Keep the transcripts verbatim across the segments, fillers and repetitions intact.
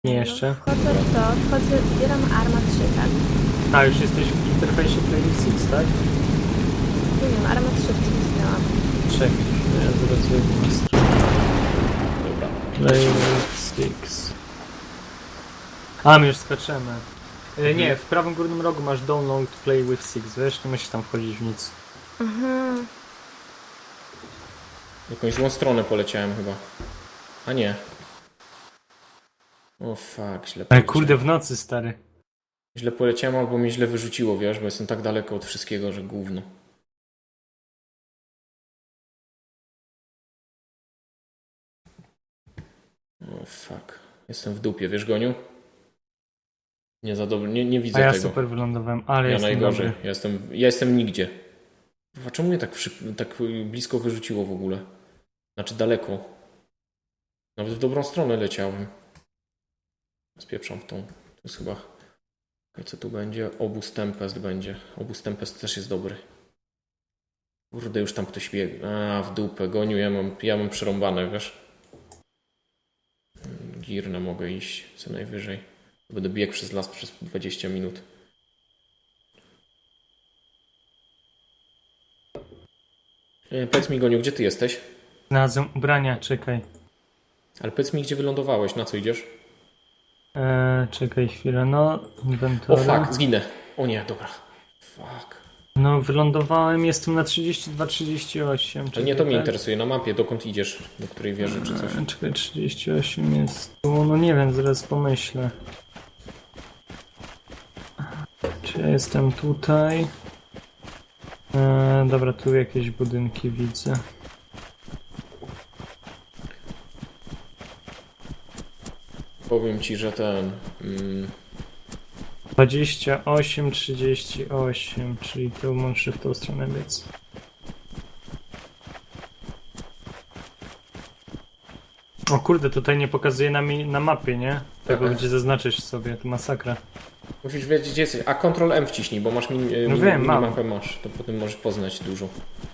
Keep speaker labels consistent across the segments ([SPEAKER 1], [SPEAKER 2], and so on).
[SPEAKER 1] Nie
[SPEAKER 2] No,
[SPEAKER 1] jeszcze.
[SPEAKER 2] wchodzę w to, wchodzę, wybieram Arma trzy, tak?
[SPEAKER 1] A, już jesteś w interfejsie Play six, tak?
[SPEAKER 2] Nie wiem, Arma trzy wcisnęłam.
[SPEAKER 1] Czekaj, ja zaraz wejdę na stronę.
[SPEAKER 3] Dobra.
[SPEAKER 1] Play six. A, my już skaczemy. E, nie, w prawym górnym rogu masz download Play with six, wiesz? Nie musisz tam wchodzić w nic.
[SPEAKER 2] Aha.
[SPEAKER 3] W jakąś złą stronę poleciałem chyba. A nie. O fuck, źle
[SPEAKER 1] Ale
[SPEAKER 3] poleciałem.
[SPEAKER 1] kurde, w nocy, stary.
[SPEAKER 3] Źle poleciałem albo mnie źle wyrzuciło, wiesz, bo jestem tak daleko od wszystkiego, że gówno. O fuck. Jestem w dupie, wiesz, Goniu? Nie za dobry, nie, nie widzę
[SPEAKER 1] A ja
[SPEAKER 3] tego.
[SPEAKER 1] super wylądowałem, ale
[SPEAKER 3] Ja
[SPEAKER 1] jestem
[SPEAKER 3] najgorzej.
[SPEAKER 1] dobry.
[SPEAKER 3] Ja jestem, ja jestem nigdzie. A czemu mnie tak, przy, tak blisko wyrzuciło w ogóle? Znaczy daleko. Nawet w dobrą stronę leciałem. Spieprzam w tą. To jest chyba... I co tu będzie? Obóz Tempest będzie. Obóz Tempest też jest dobry. Kurde, już tam ktoś biegł. A, w dupę, Goniu, ja mam, ja mam przerąbane, wiesz? Girne mogę iść, co najwyżej. Będę biegł przez las przez dwadzieścia minut. E, powiedz mi, Goniu, gdzie ty jesteś?
[SPEAKER 1] Znalazłem ubrania, czekaj.
[SPEAKER 3] Ale powiedz mi, gdzie wylądowałeś, na co idziesz?
[SPEAKER 1] Eee, czekaj chwilę, no,
[SPEAKER 3] O
[SPEAKER 1] inwentory.
[SPEAKER 3] fuck, zginę. O nie, dobra. Fuck.
[SPEAKER 1] No, wylądowałem, jestem na trzydzieści dwa trzydzieści osiem.
[SPEAKER 3] Ale nie to mnie
[SPEAKER 1] tak?
[SPEAKER 3] interesuje, na mapie, dokąd idziesz? Do której wieży czy coś?
[SPEAKER 1] Eee, Czekaj, trzydzieści osiem jest tu, no nie wiem, zaraz pomyślę. Czy ja jestem tutaj? Eee, dobra, tu jakieś budynki widzę.
[SPEAKER 3] Powiem ci, że ten... Mm,
[SPEAKER 1] dwadzieścia osiem trzydzieści osiem, czyli to muszę w tą stronę biec. O kurde, tutaj nie pokazuje na, mi, na mapie, nie? Tego,
[SPEAKER 3] Aha.
[SPEAKER 1] gdzie zaznaczyć sobie, to masakra.
[SPEAKER 3] musisz wiedzieć, gdzie jesteś. A Ctrl M wciśnij, bo masz min,
[SPEAKER 1] No
[SPEAKER 3] min,
[SPEAKER 1] wiem, mam.
[SPEAKER 3] minimapę masz. To potem możesz poznać dużo.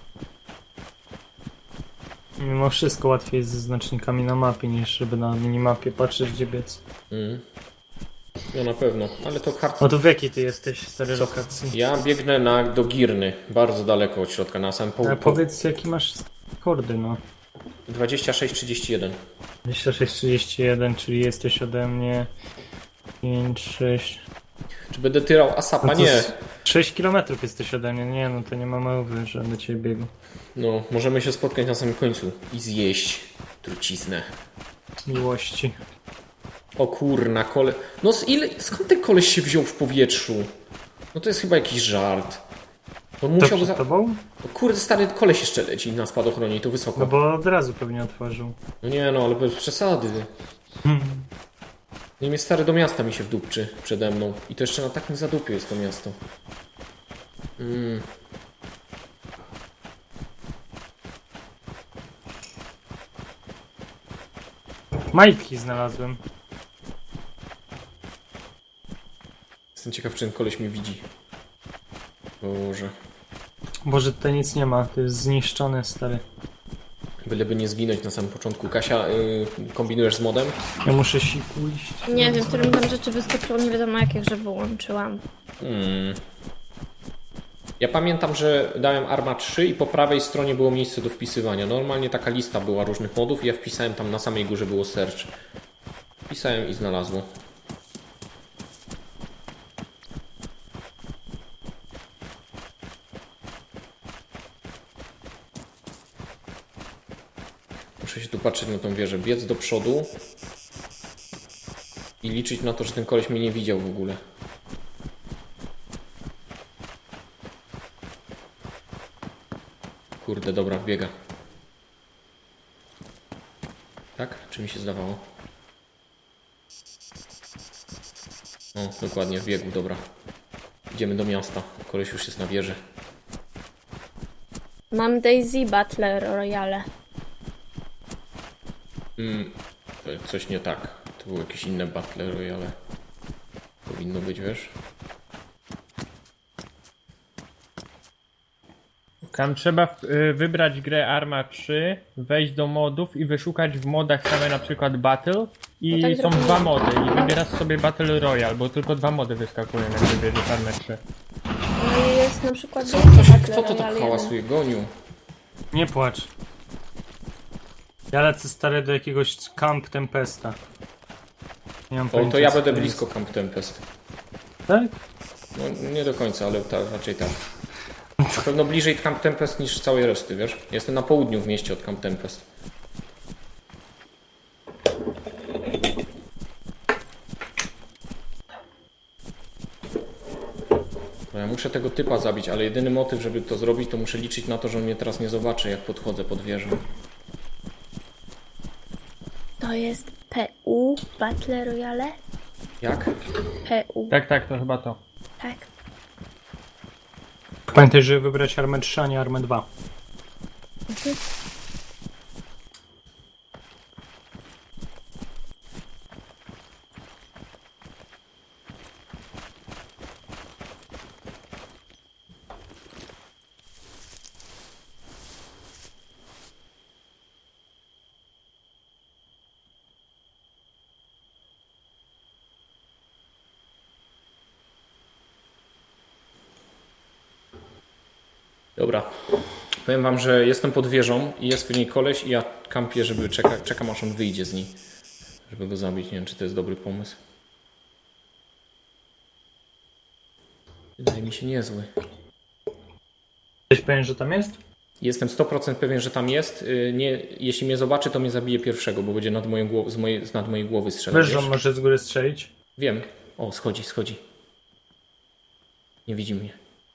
[SPEAKER 1] Mimo wszystko łatwiej jest ze znacznikami na mapie, niż żeby na minimapie patrzeć, gdzie biec.
[SPEAKER 3] Mm. No na pewno, ale to hard...
[SPEAKER 1] O to w jakiej ty jesteś, stary
[SPEAKER 3] Co?
[SPEAKER 1] lokacji?
[SPEAKER 3] Ja biegnę na, do Girny, bardzo daleko od środka, na samym
[SPEAKER 1] A
[SPEAKER 3] południu.
[SPEAKER 1] powiedz, jaki masz kordy, no.
[SPEAKER 3] dwadzieścia sześć trzydzieści jeden.
[SPEAKER 1] dwadzieścia sześć trzydzieści jeden, czyli jesteś ode mnie pięć, sześć...
[SPEAKER 3] Czy będę tyrał Asapa? Nie.
[SPEAKER 1] sześć kilometrów jesteś ode mnie, nie no to nie ma mowy, że do ciebie biegł.
[SPEAKER 3] No, możemy się spotkać na samym końcu i zjeść truciznę.
[SPEAKER 1] Miłości.
[SPEAKER 3] O kurna, kole... No z ile... skąd ten koleś się wziął w powietrzu? No to jest chyba jakiś żart. On
[SPEAKER 1] To
[SPEAKER 3] musiał...
[SPEAKER 1] przed
[SPEAKER 3] Za...
[SPEAKER 1] tobą?
[SPEAKER 3] O kurde, stary koleś jeszcze leci na spadochronie i to wysoko.
[SPEAKER 1] No bo od razu pewnie otworzył.
[SPEAKER 3] No nie no, ale bez przesady.
[SPEAKER 1] Hmm.
[SPEAKER 3] Nie mnie stary do miasta mi się wdupczy przede mną. I to jeszcze na takim zadupiu jest to miasto. Mm.
[SPEAKER 1] Majtki znalazłem.
[SPEAKER 3] Jestem ciekaw, czy ten koleś mnie widzi. Boże.
[SPEAKER 1] Boże, tutaj nic nie ma, to jest zniszczone, stary.
[SPEAKER 3] Byleby nie zginąć na samym początku. Kasia, yy, kombinujesz z modem?
[SPEAKER 1] Ja muszę siku iść.
[SPEAKER 2] Nie wiem, którym tam rzeczy wyskoczyło, nie wiadomo jakie, że wyłączyłam.
[SPEAKER 3] Hmm. Ja pamiętam, że dałem Arma trzy i po prawej stronie było miejsce do wpisywania. Normalnie taka lista była różnych modów i ja wpisałem tam na samej górze było search. Wpisałem i znalazło. Muszę się tu patrzeć na tą wieżę, biec do przodu i liczyć na to, że ten koleś mnie nie widział w ogóle. Kurde, dobra, wbiega. Tak? Czy mi się zdawało? O, dokładnie, wbiegł, dobra. Idziemy do miasta. Koleś już jest na wieży.
[SPEAKER 2] Mam Daisy Battle Royale.
[SPEAKER 3] Mm, to coś nie tak. To były jakieś inne Battle Royale. Powinno być, wiesz?
[SPEAKER 4] Tam trzeba w- y, wybrać grę Arma trzy, wejść do modów i wyszukać w modach same na przykład Battle i
[SPEAKER 2] No tak
[SPEAKER 4] są
[SPEAKER 2] zrobimy.
[SPEAKER 4] dwa mody i wybierasz sobie Battle Royale, bo tylko dwa mody wyskakują, jak wybierzesz Armę trzy.
[SPEAKER 2] No i jest na przykład...
[SPEAKER 3] Co,
[SPEAKER 2] Battle
[SPEAKER 3] kto, się,
[SPEAKER 2] Royale
[SPEAKER 3] kto to tak
[SPEAKER 2] jeden.
[SPEAKER 3] hałasuje? Goniu.
[SPEAKER 1] Nie płacz. Ja lecę stary do jakiegoś Camp Tempesta. Nie mam
[SPEAKER 3] O,
[SPEAKER 1] pojęcia,
[SPEAKER 3] to ja
[SPEAKER 1] co
[SPEAKER 3] będę
[SPEAKER 1] jest.
[SPEAKER 3] blisko Camp Tempest.
[SPEAKER 1] Tak?
[SPEAKER 3] No nie do końca, ale ta, raczej tak. Na pewno bliżej Camp Tempest niż całej reszty, wiesz? Jestem na południu w mieście od Camp Tempest. No ja muszę tego typa zabić, ale jedyny motyw, żeby to zrobić, to muszę liczyć na to, że on mnie teraz nie zobaczy, jak podchodzę pod wieżę.
[SPEAKER 2] To jest P U, Battle Royale?
[SPEAKER 3] Jak?
[SPEAKER 2] P U,
[SPEAKER 4] Tak, tak, to chyba to.
[SPEAKER 2] tak.
[SPEAKER 1] Pamiętaj, żeby wybrać Armę trzy, a nie Armę dwa.
[SPEAKER 3] Dobra. Powiem wam, że jestem pod wieżą i jest w niej koleś i ja kampię, żeby czeka, czekam aż on wyjdzie z niej. Żeby go zabić. Nie wiem, czy to jest dobry pomysł. Wydaje mi się niezły.
[SPEAKER 1] Jesteś pewien, że tam jest?
[SPEAKER 3] Jestem sto procent pewien, że tam jest. Yy, Nie, jeśli mnie zobaczy, to mnie zabije pierwszego, bo będzie nad moją głow- z, mojej, z nad mojej głowy strzelać.
[SPEAKER 1] Wiesz, że on
[SPEAKER 3] wiesz?
[SPEAKER 1] może z góry strzelić?
[SPEAKER 3] Wiem. O, schodzi, schodzi. Nie widzi mnie.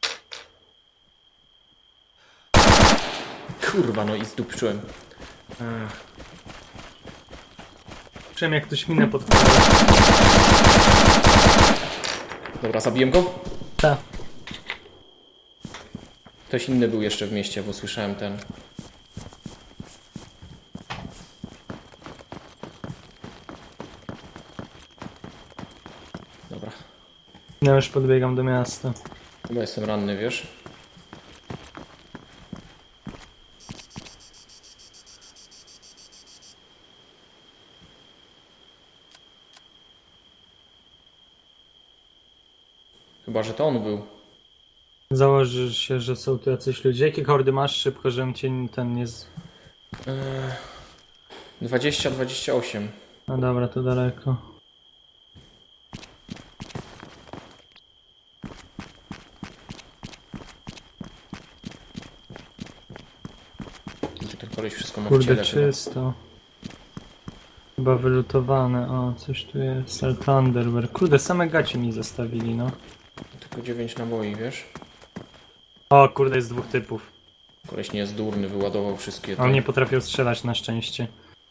[SPEAKER 3] Kurwa, no i zdupczyłem. Ach.
[SPEAKER 1] Przynajmniej jak ktoś minę podkłada.
[SPEAKER 3] Dobra, zabiłem go.
[SPEAKER 1] Tak.
[SPEAKER 3] Ktoś inny był jeszcze w mieście, bo słyszałem ten. Dobra.
[SPEAKER 1] Ja już podbiegam do miasta.
[SPEAKER 3] Chyba jestem ranny, wiesz? Chyba, że to on był.
[SPEAKER 1] Założysz się, że są tu jacyś ludzie. Jakie kordy masz szybko, żebym cię ten nie... Z...
[SPEAKER 3] Eee, dwadzieścia dwadzieścia osiem.
[SPEAKER 1] No dobra, to daleko.
[SPEAKER 3] Gdzie ten koleś wszystko ma w
[SPEAKER 1] Kurde,
[SPEAKER 3] ciele chyba.
[SPEAKER 1] czysto. Chyba wylutowane. O, coś tu jest. Thunderberg. Kurde, same gacie mi zostawili, no.
[SPEAKER 3] Tylko dziewięć naboi, wiesz?
[SPEAKER 1] O, kurde, jest dwóch typów.
[SPEAKER 3] Koleś nie jest durny, wyładował wszystkie
[SPEAKER 1] A on
[SPEAKER 3] te...
[SPEAKER 1] nie potrafił strzelać na szczęście.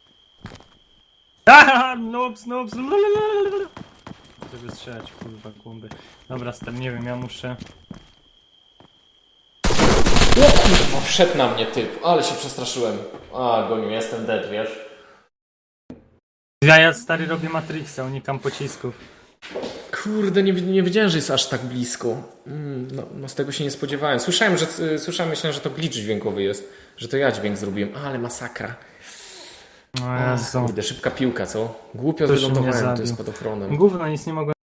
[SPEAKER 1] Aha, noobs, noobs. lalalala. Żeby strzelać, kurwa, głąby. Dobra, stary, nie wiem, ja muszę...
[SPEAKER 3] O kurwa, wszedł na mnie typ, ale się przestraszyłem. A, goniu, jestem dead, wiesz?
[SPEAKER 1] Ja, ja stary robię Matrixa, unikam pocisków.
[SPEAKER 3] Kurde, nie, nie wiedziałem, że jest aż tak blisko. Mm, no, no z tego się nie spodziewałem. Słyszałem, że y, słyszałem, myślałem, że to glitch dźwiękowy jest. Że to ja dźwięk zrobiłem, ale masakra.
[SPEAKER 1] No
[SPEAKER 3] Ach,
[SPEAKER 1] Jezu.
[SPEAKER 3] kurde, szybka piłka, co? Głupio
[SPEAKER 1] Ktoś mnie
[SPEAKER 3] wylądowałem
[SPEAKER 1] zabił.
[SPEAKER 3] tu spadochronem.
[SPEAKER 1] Gówno, nic nie mogłem